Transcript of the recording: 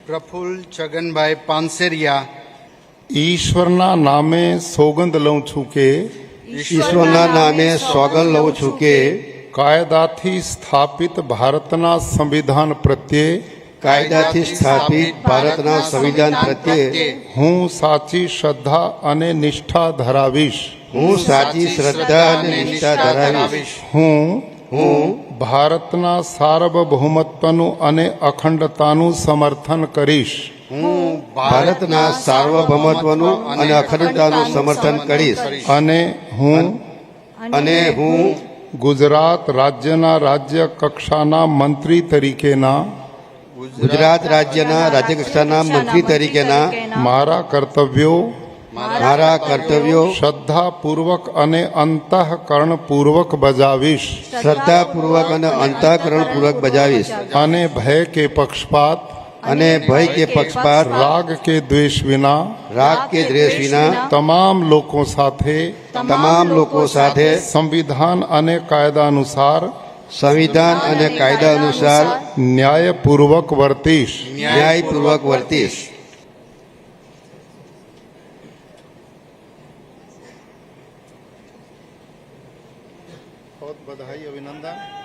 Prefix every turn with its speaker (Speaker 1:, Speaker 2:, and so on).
Speaker 1: પ્રફુલ્લ છગનભાઈ પાનસેરિયા
Speaker 2: ઈશ્વરના નામે સોગંદ લઉં છું કે
Speaker 3: ઈશ્વરના નામે સોગંદ લઉં છું કે
Speaker 2: કાયદાથી સ્થાપિત ભારતના સંવિધાન પ્રત્યે
Speaker 3: કાયદાથી સ્થાપિત ભારતના સંવિધાન પ્રત્યે
Speaker 2: હું સાચી શ્રદ્ધા અને નિષ્ઠા ધરાવીશ.
Speaker 3: હું સાચી શ્રદ્ધા અને નિષ્ઠા ધરાવીશ.
Speaker 2: હું ભારતના સાર્વભૌમત્વનું અને અખંડતાનું સમર્થન કરીશ.
Speaker 1: હું
Speaker 3: ભારતના સાર્વભૌમત્વનું અને અખંડતાનું સમર્થન કરીશ.
Speaker 2: અને હું ગુજરાત રાજ્યના રાજ્ય કક્ષાના મંત્રી તરીકેના
Speaker 3: ગુજરાત રાજ્યના રાજ્યકક્ષાના મંત્રી તરીકેના
Speaker 2: મારા કર્તવ્યો શ્રદ્ધાપૂર્વક અને અંતઃકરણપૂર્વક બજાવીશ.
Speaker 3: શ્રદ્ધાપૂર્વક અને અંતઃકરણપૂર્વક બજાવીશ.
Speaker 2: અને ભય કે પક્ષપાત રાગ કે દ્વેષ વિના તમામ લોકો સાથે સંવિધાન અને કાયદા અનુસાર ન્યાયપૂર્વક વર્તીશ. बहुत बधाई, अभिनंदन.